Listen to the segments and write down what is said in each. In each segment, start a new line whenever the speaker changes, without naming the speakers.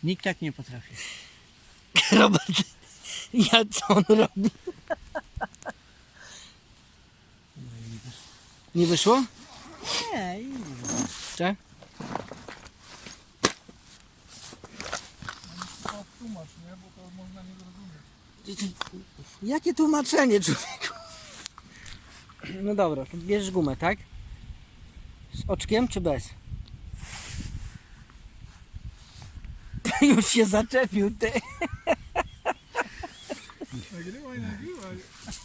Nikt tak nie potrafi.
Robert, co on robi? Nie wyszło?
Nie,
Tak?
Tłumacz, nie? Bo to można nie zrozumieć.
Jakie tłumaczenie, człowieku? No dobra, to bierzesz gumę, tak? Z oczkiem czy bez? Już się zaczepił, ty.
Nagrywaj, nagrywaj.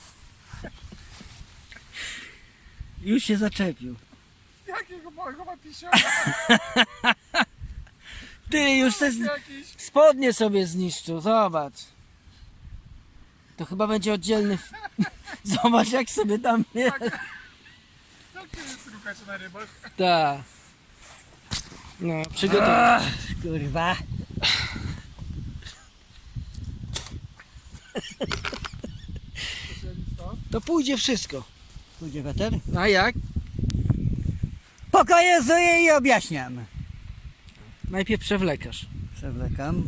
Już się zaczepił.
Jakiego małego pisia?
Ty już te
Jakiś.
spodnie sobie zniszczył, zobacz. To chyba będzie oddzielny. Zobacz jak sobie tam jest.
Jak ty jest rukać na rybach?
Tak. No, przygotuj.
kurwa.
To pójdzie wszystko.
Pójdzie weter?
A jak?
Pokazuję i objaśniam.
Najpierw przewlekasz.
Przewlekam.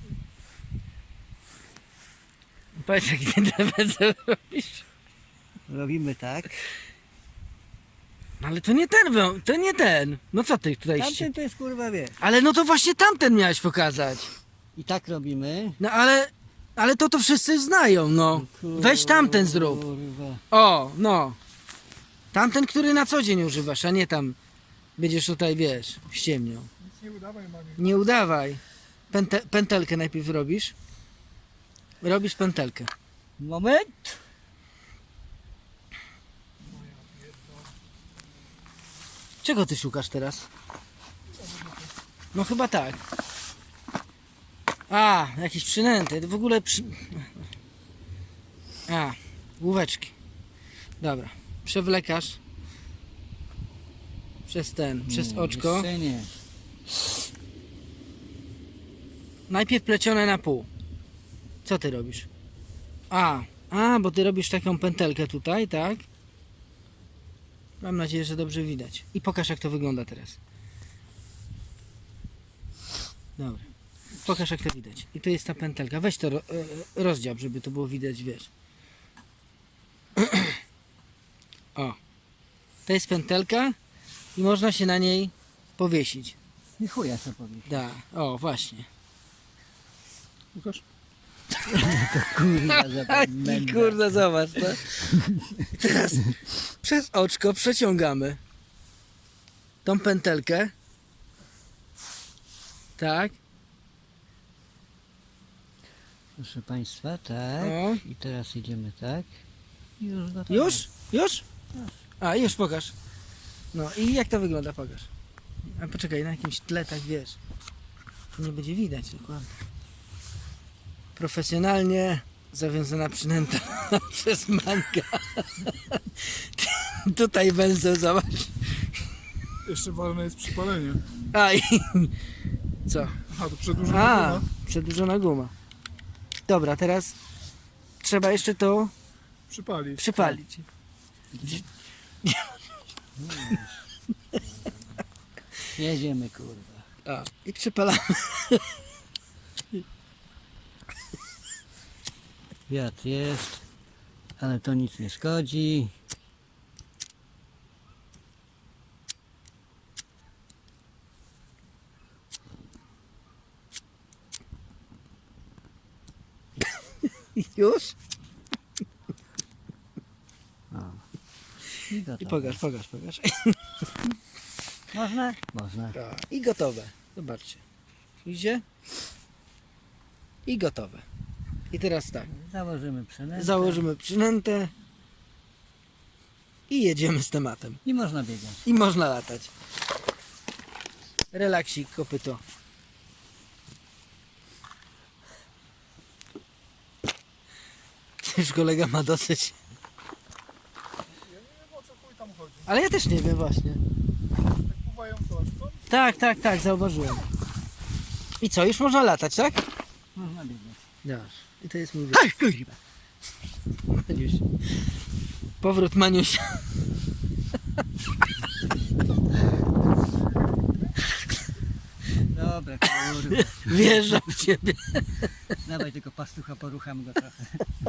Powiedz jak ty te robisz.
Robimy tak.
No ale to nie ten, to nie ten. No co ty tutaj
Tamten to jest kurwa wie.
Ale no to właśnie tamten miałeś pokazać.
I tak robimy.
No ale to wszyscy znają, no. Weź tamten zrób.
Kurwa.
O, no. Tamten, który na co dzień używasz, a nie tam będziesz tutaj, wiesz, ściemniał.
Nic nie udawaj, mamie.
Nie udawaj. Pętelkę najpierw robisz. Robisz pętelkę.
Moment.
Czego ty szukasz teraz? No chyba tak. A, jakieś przynęty. W ogóle A, główeczki. Dobra. Przewlekasz. Przez oczko.
Jeszcze nie.
Najpierw plecione na pół. Co ty robisz? Bo ty robisz taką pętelkę tutaj, tak? Mam nadzieję, że dobrze widać. I pokaż jak to wygląda teraz. Dobra. Pokaż jak to widać. I to jest ta pętelka. Weź to rozdział, żeby to było widać, wiesz. O. To jest pętelka i można się na niej powiesić.
Nie chuja co powiedzieć.
Da. O, właśnie.
Łukasz?
Kurwa,
I kurde, zobacz, no. Teraz przez oczko przeciągamy tą pętelkę. Tak.
Proszę Państwa, tak.
O.
I teraz idziemy tak. I już gotowe.
Już? Już? A, już pokaż. No i jak to wygląda, pokaż. A poczekaj, na jakimś tle, tak wiesz. Nie będzie widać dokładnie. Profesjonalnie zawiązana przynęta przez Manka. Tutaj węzeł, zobacz.
Jeszcze ważne jest przypalenie.
A i co?
Aha, to przedłużona.
Przedłużona guma. Dobra, teraz trzeba jeszcze to
Przypalić.
przypalić.
Jedziemy kurwa.
A, i przypalamy.
Wiatr jest, ale to nic nie szkodzi.
Już?
I
I
gotowe.
pokaż.
Można? Można.
I gotowe. Zobaczcie. Idzie? I gotowe. I teraz tak.
Założymy przynętę.
Założymy przynętę i jedziemy z tematem.
I można biegać.
I można latać. Relaksik, kopyto. Już kolega ma dosyć.
Ja nie wiem o co chuj tam chodzi.
Ale ja też nie wiem właśnie.
Tak pływają co?
Tak, zauważyłem. I co, już można latać, tak?
Można biegać.
Dasz. I to jest mój wyjazd. Maniuś. Powrót Maniusia.
Dobra. Dobra, kurwa.
Wjeżdżam w ciebie.
Dawaj tylko pastucha, porucham go trochę.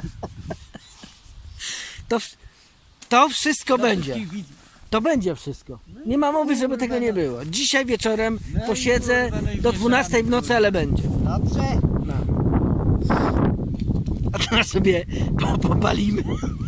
To wszystko będzie.
Wszystkich widzów.
To będzie wszystko. Nie ma mowy, żeby tego nie było. Dzisiaj wieczorem
No i
posiedzę
kurwa, no i
do 12 w nocy, ale będzie.
Dobrze.
No. A teraz sobie popalimy.